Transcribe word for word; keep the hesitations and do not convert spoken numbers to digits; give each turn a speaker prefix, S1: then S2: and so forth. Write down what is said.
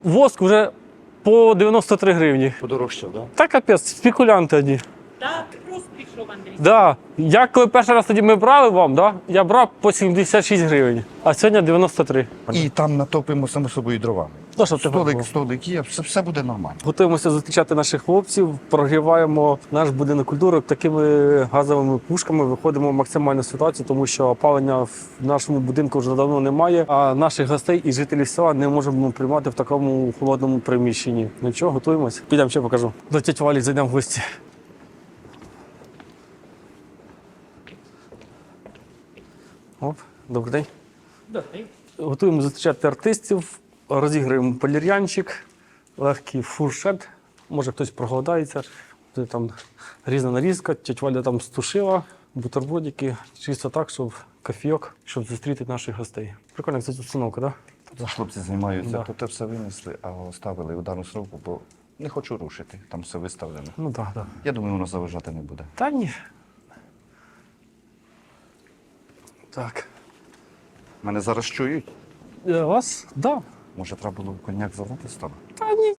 S1: Воск вже по дев'яносто три гривні.
S2: Подорожчав, так?
S1: Та капець, спекулянти одні.
S3: Так, просто пішов, Андрій.
S1: Да. Я коли перший раз тоді ми брали вам, да? Я брав по сімдесят шість гривень, а сьогодні дев'яносто три.
S2: І там натопимо само собою дровами.
S1: Ну, щоб ти
S2: Столик,
S1: готував.
S2: столик є, все, все буде нормально.
S1: Готуємося зустрічати наших хлопців, прогріваємо наш будинок культури такими газовими пушками, виходимо в максимальну ситуацію, тому що опалення в нашому будинку вже давно немає, а наших гостей і жителів села не можемо приймати в такому холодному приміщенні. Ну чого, готуємося? Підемо, ще покажу. До тіті Валі зайдемо в гості. Оп, добрий день.
S3: Добре.
S1: Готуємо зустрічати артистів, розіграємо полір'янчик, легкий фуршет. Може хтось проголодається. Буде там різна нарізка, тетя Валя там стушила, бутербродики, чисто так, щоб кофійок, щоб зустріти наших гостей. Прикольна кстати, установка, так? Да?
S2: Хлопці займаються,
S1: Да.
S2: то те все винесли, а оставили ударну сроку, бо не хочу рушити, там все виставлено.
S1: Ну так, так.
S2: Я думаю, воно заважати не буде.
S1: Та ні. Так.
S2: Мене зараз чують.
S1: Е, Вас? Так. Да.
S2: Може, треба було коньяк залити з того?
S1: Та ні.